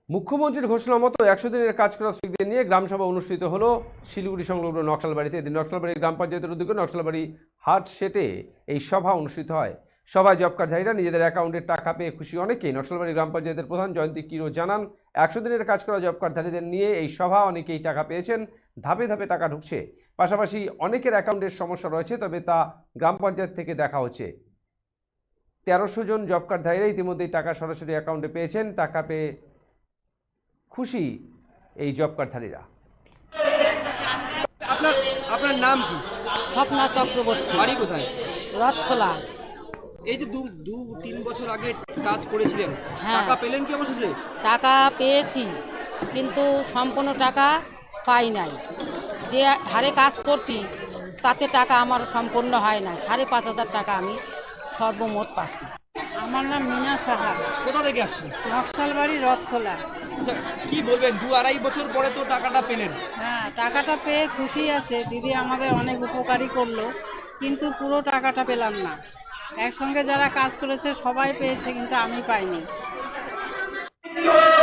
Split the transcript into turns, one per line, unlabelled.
মুখ্যমন্ত্রীর ঘোষণা মতো 100 দিনের কাজ করা শ্রমিকদের নিয়ে গ্রামসভা অনুষ্ঠিত হলো শিলিগুড়ি সংলগ্ন নকশালবাড়িতে। এদিন নকশালবাড়ি গ্রাম পঞ্চায়েতের উদ্যোগে নকশালবাড়ি হাট সেটে এই সভা অনুষ্ঠিত হয়। সভায় জব কার্ডধারীরা নিজেদের অ্যাকাউন্টের টাকা পেয়ে খুশি অনেকেই। নকশালবাড়ি গ্রাম পঞ্চায়েতের প্রধান জয়ন্তী কিরো জানান, 100 দিনের কাজ করা জব কার্ডধারীদের নিয়ে এই সভা, অনেকেই টাকা পেয়েছেন, ধাপে ধাপে টাকা ঢুকছে। পাশাপাশি অনেকের অ্যাকাউন্টের সমস্যা রয়েছে, তবে তা গ্রাম পঞ্চায়েত থেকে দেখা হচ্ছে। 1300 জন জব কার্ডধারীরা ইতিমধ্যেই টাকা সরাসরি অ্যাকাউন্টে পেয়েছেন। টাকা পেয়ে খুশি এই জব কার্ডধারীরা।
আপনার আপনার নাম কি?
স্বপ্না চক্রবর্তী,
বাড়ি কোথায়?
রথখোলা।
এই যে 2-3 বছর আগে কাজ করেছিলেন,
হ্যাঁ।
টাকা পেলেন কি অবশেষে?
টাকা পেয়েছি, কিন্তু সম্পূর্ণ টাকা পাই নাই। যে হারে কাজ করছি তাতে টাকা আমার সম্পূর্ণ হয় না। 5,500 টাকা আমি সর্বমোট পাচ্ছি।
আমার নাম মিনা সাহা,
কোথা থেকে আসছেন?
নকশালবাড়ি রথখোলা।
আচ্ছা, কি বলবেন, 2-2.5 বছর পরে তো টাকাটা পেলেন।
হ্যাঁ, টাকাটা পেয়ে খুশি আছে। দিদি আমাদের অনেক উপকারী করলো, কিন্তু পুরো টাকাটা পেলাম না। একসঙ্গে যারা কাজ করেছে সবাই পেয়েছে, কিন্তু আমি পাইনি।